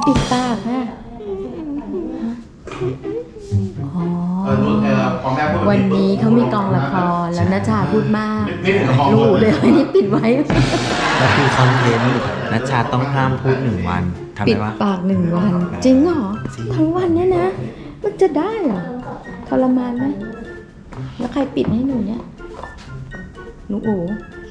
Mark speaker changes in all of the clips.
Speaker 1: ปิดปากฮะอ๋อวันนี้เขามีกองละครแล้วนัชชาพูดมากรู้เลยนี่ปิดไว้
Speaker 2: แล้วคือคอนเทนต์นัชชาต้องห้ามพูด1 วันทำ
Speaker 1: ปิ
Speaker 2: ได้
Speaker 1: ด
Speaker 2: ปะ
Speaker 1: ปาก1 วันจริงเหรอทั้งวันเนี่ยนะมันจะได้เหรอทรมานไหมแล้วใครปิดให้หนูเนี่ยหนูอู๋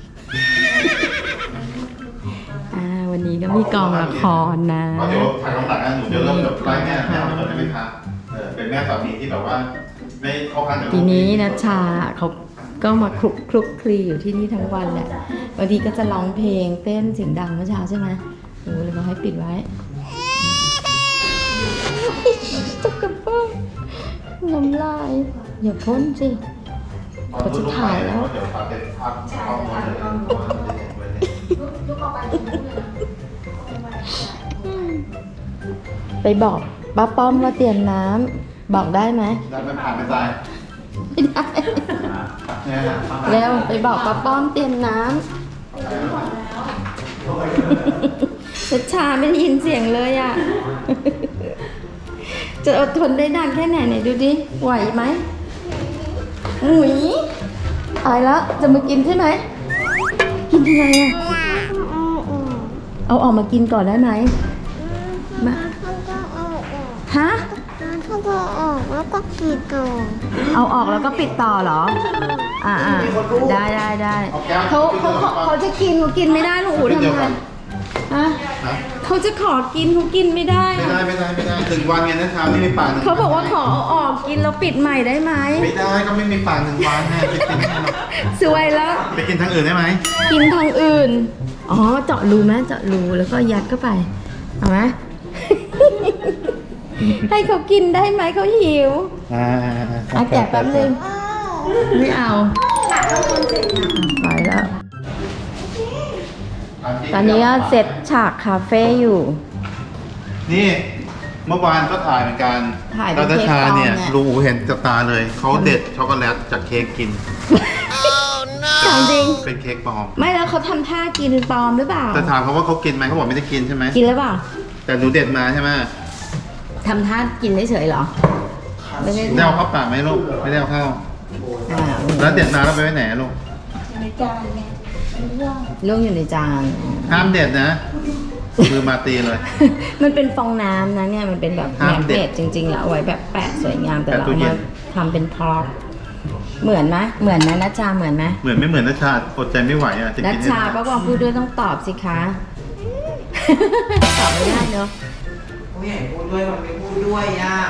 Speaker 1: วันนี้ก็มีกองละครนะ
Speaker 3: เดี๋ยวถ่ายคำสั่งนะหนูจะเริ่มจากไล่แม่ก่อนได้ไหมคะเป็นแม่สามีที่แบบว่าไม่เข้าข้างกับ
Speaker 1: ทีนี้นัชชาเขาก็มาคลุกคลีอยู่ที่นี่ทั้งวันแหละบางทีก็จะร้องเพลงเต้นเสียงดังเมื่อเช้าใช่ไหมหนูเลยบอกให้ปิดไว้จะกระเป๋าน้ำลายอย่าพ่นสิเขาจะถ่ายแล้ว
Speaker 3: เดี๋ยวถ่ายเป็นภาพเข้ามาเลย
Speaker 1: ไปบอกป้าป้อมว่าเตรียมน้ำบอกได้ไหม
Speaker 3: ได้ไม่ผ่านไม่ได้
Speaker 1: ไม่ได้แล้วไปบอกป้าป้อมเตรียมน้ำนัชชาไม่ได้ยินเสียงเลยอ่ะ จะอดทนได้นานแค่ไหนไหนดูดิไหวไหมหุยตายแล้วจะมากินใช่ไหมกินยังไงอ่ะเอาออกมากินก่อนได้ไหมมาฮะ
Speaker 4: ถ้าจะออกแล้วก็กรีดก่อน
Speaker 1: เอาออกแล้วก็ปิดต่อเหรอได้เขาจะกินเขากินไม่ได้ลูกอู๋ทำไงฮะเขาจะขอกินเขากินไม่ได้
Speaker 3: ไม่ได้ถึงวันไงนะชาไม่มีปาก
Speaker 1: เขาบอกว่าขอเอาออกกินแล้วปิดใหม่ได้ไหม
Speaker 3: ไม่ได้ก็ไม่มีปาก1 วันแน่ไปกิน
Speaker 1: สวยแล้ว
Speaker 3: ไปกินทางอื่นได้ไหม
Speaker 1: กินทางอื่นอ๋อเจาะรูไหมเจาะรูแล้วก็ยัดเข้าไปเอาไหม ให้เขากินได้ไหมเขาหิวแกะแป๊บนึงไม่เอาไปแล้ว ตอนนี้ก็เสร็จฉากคาเฟ่อยู่
Speaker 3: นี่เมื่อวานก็ถ่ายเหมือนกัน
Speaker 1: ถ่ายเป็น
Speaker 3: แล้ว
Speaker 1: เค้ก
Speaker 3: ชาเนี่ย
Speaker 1: ปลอมเนี่ย
Speaker 3: ลุงอูเห็นกับตาเลยเขาเด็ดช็อกโกแลตจากเค้กกิน
Speaker 1: ถามจริง
Speaker 3: เป็นเค้กปลอม
Speaker 1: ไม่แล้วเขาทำท่ากินปลอมหรือเปล่า
Speaker 3: แต่ถามเขาว่าเขากินไหมเขาบอกไม่ได้กินใช่ไหม
Speaker 1: กินหรือเปล่า
Speaker 3: แต่หนูเด็ดมาใช่ไหม
Speaker 1: ทำท่ากินเฉยๆเหรอไม่ได้
Speaker 3: ได้เอาเข้าปากไหมลูกไม่ได้เอาเข้าแล้วเด็ดมาแล้วไปไว้ไหนลูก
Speaker 1: ล่วงอยู่ในจาน
Speaker 3: ห้ามเด็ดนะมือมาตีเลย
Speaker 1: มันเป็นฟองน้ำนะเนี่ยมันเป็นแบบ
Speaker 3: ห้า
Speaker 1: แม
Speaker 3: ม
Speaker 1: ก
Speaker 3: เด็
Speaker 1: เน
Speaker 3: ด
Speaker 1: ตจริงๆแล้วเอาไว้แบบแปะสวยงามแต่
Speaker 3: แปะ
Speaker 1: เรา
Speaker 3: ตู้
Speaker 1: เอา
Speaker 3: เย็
Speaker 1: มาน ทำเป็นพร็อพเหมือนไหมเหมือนไหมนัชชาเหมือนไหม
Speaker 3: เหมือนไม่เหมือนนะชาอดใจไม่ไหวอ่ะจะ
Speaker 1: นัช
Speaker 3: กินให้
Speaker 1: ชา
Speaker 3: ได้
Speaker 1: ป้าบอกพูดด้วยต้องตอบสิคะ ตอบไม่ได้เนอะ
Speaker 2: ไม่อยากพูดด้วยมันไม่พูดด้วยอ่ะ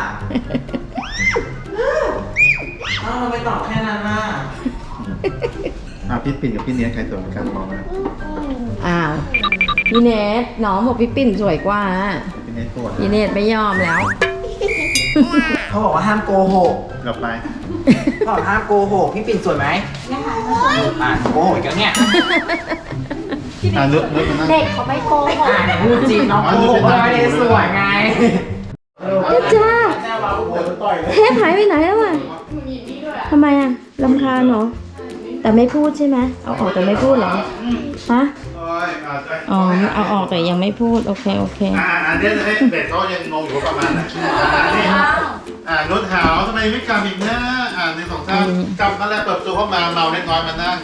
Speaker 2: เราไปตอบแค่นั้นน่ะ
Speaker 3: พี่ปิ่นกับพี่เนี้ยใครสวยกว่ากันบอกนะ
Speaker 1: อ้าวพี่เนทน้องบอกพี่ปิ่นสวยกว่า
Speaker 3: พี่เนี้ยตัว
Speaker 1: พี่เนทไม่ยอมแล้ว
Speaker 2: เขาบอกว่าห้ามโกหก
Speaker 3: กลับไป
Speaker 2: เขาบอกห้ามโกหกพี่ปิ่นสวยไหมโกหกอีกแล้วเนี่ย
Speaker 3: เลือกมานั่ง
Speaker 1: เด็กเขาไม่โกหก
Speaker 2: พูดจริงน้องโกหกไม่ได้สวยไง
Speaker 1: นัชชาเทปหายไปไหนแล้วอ่ะทำไมอ่ะรำคาญเหรอแต่ไม่พูดใช่ไหมเอาออกแต่ไม่พูดเหรอฮะอ๋อเอาออกแต่ยังไม่พูดโอเค
Speaker 3: อันนี้ให้เด็กเขายังงงอยู่ประมาณไหนรถหาวทำไมไม่กลับอีกนะในสองท่านกลับมาแล้วเปิดประตูเข้ามาเมาเล็กน้อยมานั่ง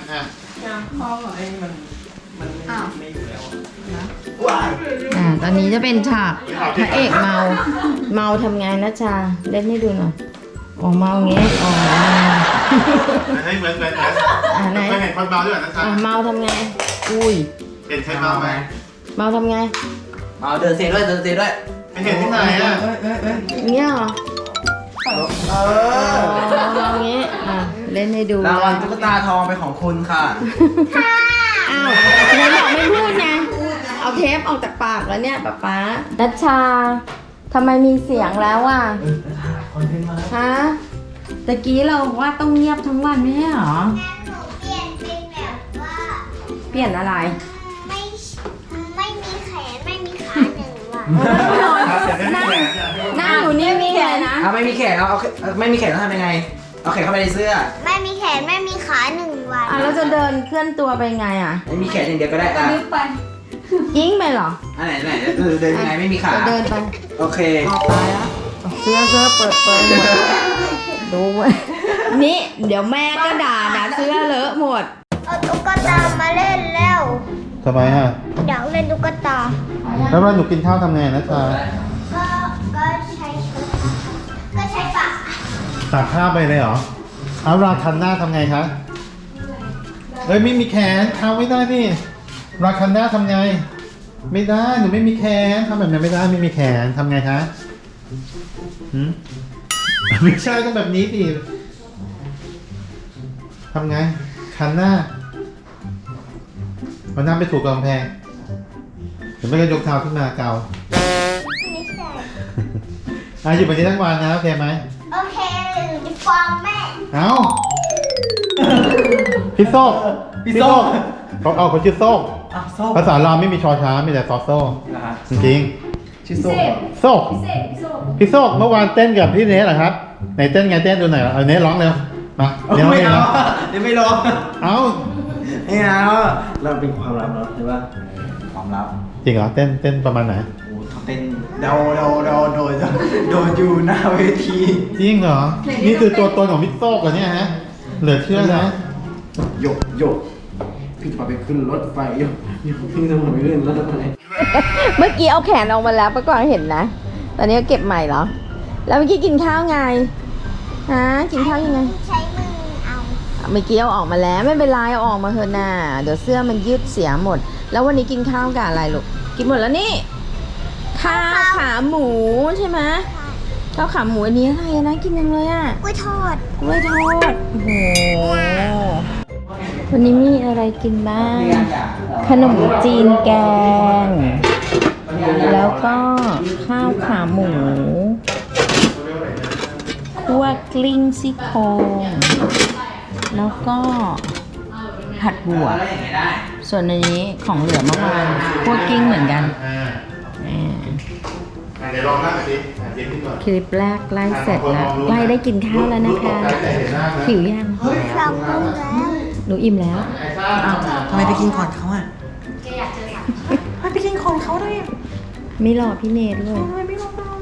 Speaker 1: ตอนนี้จะเป็นฉากพระเอกเมาทำไงนะชาเล่นให้ดูหน่อยอ๋อเมาอย่างงี้อ๋อ
Speaker 3: ให้เหมือนไหน
Speaker 1: ไหน
Speaker 3: เคยเห็นคนเมาด้วยนะจ๊ะ
Speaker 1: เมาทำไงอุ้ย
Speaker 3: เห็นใครเมาไหม
Speaker 1: เมาทำไง
Speaker 2: เอาเดินเซด้วย
Speaker 3: ไม่เห็นที่ไหนอ่ะ
Speaker 1: อย่างเงี้ยเหรอเมาอย่างงี้เล่นให้ดู
Speaker 2: รางวัลตุ๊กตาทองเป็นของคุณค่ะ
Speaker 1: อ้าวไหนบอกไม่พูดไงเอาเทปออกจากปากแล้วเนี่ยป๊านัชชาทำไมมีเสียงแล้วอ่ะฮะตะกี้เราว่าต้องเงียบทั้งวันไม่ใช่เหรอ
Speaker 4: เปลี่ยนเป็นแบบว่า
Speaker 1: เปลี่ยนอะไร
Speaker 4: ไม่มีแขนไม่มีขา1 วัน
Speaker 1: นั่งอยู่นี่มีเลยนะ
Speaker 2: เอาไม่มีแขนเอาไม่มีแขนแล้วทำยังไงเอาแขนเข้าไปในเสื้อ
Speaker 4: ไม่มีแขนไม่มีขา1 วัน
Speaker 1: แล้วจะเดินเคลื่อนตัวไปไงอ่ะ
Speaker 2: ไม่มีแขนอย่างเดียวก็ได้อ่ะ
Speaker 1: ยิงไปเหรอ
Speaker 2: อันไหนจะเดินยังไงไม่มีขา
Speaker 1: จะเดินไป
Speaker 2: โอเค
Speaker 1: ออกตายแล้วเสื้อเปิดหมดดูไว้นี่เดี๋ยวแม่ก็ด่านะเสื้อเลอะหมด
Speaker 4: เอาตุ๊กตามาเล่นแล้ว
Speaker 3: ทำไมฮะ
Speaker 4: อยากเล่นตุ๊กตา
Speaker 3: แล้วเวลาหนูกินข้าวทำไงนะชา
Speaker 4: ก็ใช้ชุดก็ใช้ปาก
Speaker 3: ตักข้าวไปเลยเหรอเอาราคันหน้าทำไงคะเอ้ยไม่มีแขนเท้าไม่ได้พี่ราคันหน้าทำไง ไม่ได้หนูไม่มีแขนทำแบบนั้นไม่ได้ไม่มีแขนทำไงคะหืมไม่ใช่ต้องแบบนี้สิทำไงคันหน้าเอาหน้าไปถูกกำแพงหรือไม่ก็ยกเท้าขึ้นมาเกา
Speaker 4: ไม่ใช่
Speaker 3: อยู่แบบนี้ทั้งวันนะโอเคไหม
Speaker 4: โอเคหนูจะฟ้องแม่
Speaker 3: เอาพี่โซ่เขาชื่อโซ่
Speaker 2: อ้าวส้ม
Speaker 3: ภาษาลาวไม่มีชอช้างมีแต่ซอโซ่
Speaker 2: นะฮะ
Speaker 3: จริง
Speaker 2: ชื่อส้ม
Speaker 3: ๆโซ่พี่โซ่เมื่อวานเต้นกับพี่เนสเหรอครับไหนเต้นไงเต้นดูหน่อยเอาเนสร้องเร็วมาเดี๋ยว
Speaker 2: ไม่
Speaker 3: เนส
Speaker 2: เอา
Speaker 3: ร้อง
Speaker 2: เดี๋ยวไม่ลง
Speaker 3: เอา
Speaker 2: ไม่เอาเราเป็นความลับเนาะใช่ป่ะความลับ
Speaker 3: จริงเหรอเต้นประมาณไหน
Speaker 2: โอ้เขาเต้นเดาโดนอยู่หน้าเวที
Speaker 3: จริงเหรอนี่คือตัวตนของพี่โซ่เหรอเนี่ยฮะเหลือเชื่อนะ
Speaker 2: หยกพี่จะพาไปขึ้นรถไฟหยกพี่จะพาไปขึ้นรถไฟ
Speaker 1: เมื่อกี้เอาแขนออกมาแล้วป้ากวางเห็นนะ ตอนนี้ก็เก็บใหม่เหรอ แล้วเมื่อกี้กินข้าวไงฮะกินข้าวยังไง
Speaker 4: ใช้มือเอา
Speaker 1: เมื่อกี้เอาออกมาแล้วไม่เป็นไรเอาออกมาเถอะน่ะเดี๋ยวเสื้อมันยืดเสียหมด แล้ววันนี้กินข้าวกับอะไรลูกกินหมดแล้วนี่ข้าวขาหมูใช่ไหมข้าวขาหมูอันนี้อะไรนะกินยังเลยอ่ะ
Speaker 4: กล้วยทอด
Speaker 1: กล้วยทอดโอ้โหวันนี้มีอะไรกินบ้าง ขนมจีนแกง แล้วก็ข้าวขาหมูคั่วกลิ้งซี่โครงแล้วก็ผัดบวบส่วนอันนี้ของเหลือเมื่อวานคั่วกลิ้งเหมือนกัน
Speaker 3: เดี๋ยวลองนั่งสิกินที่ก่อน
Speaker 1: คลิปแรกใกล้เสร็จแล้วใกล้ได้กินข้าวแล้วนะคะหิวยัง
Speaker 4: เราก็แล้ว
Speaker 1: หนูอิ่มแล้ว
Speaker 2: ทำไมไปกินก่อนเขาอ่ะ
Speaker 1: ไม่รอพี่เนทด้วย
Speaker 2: ทำไมไม่รอ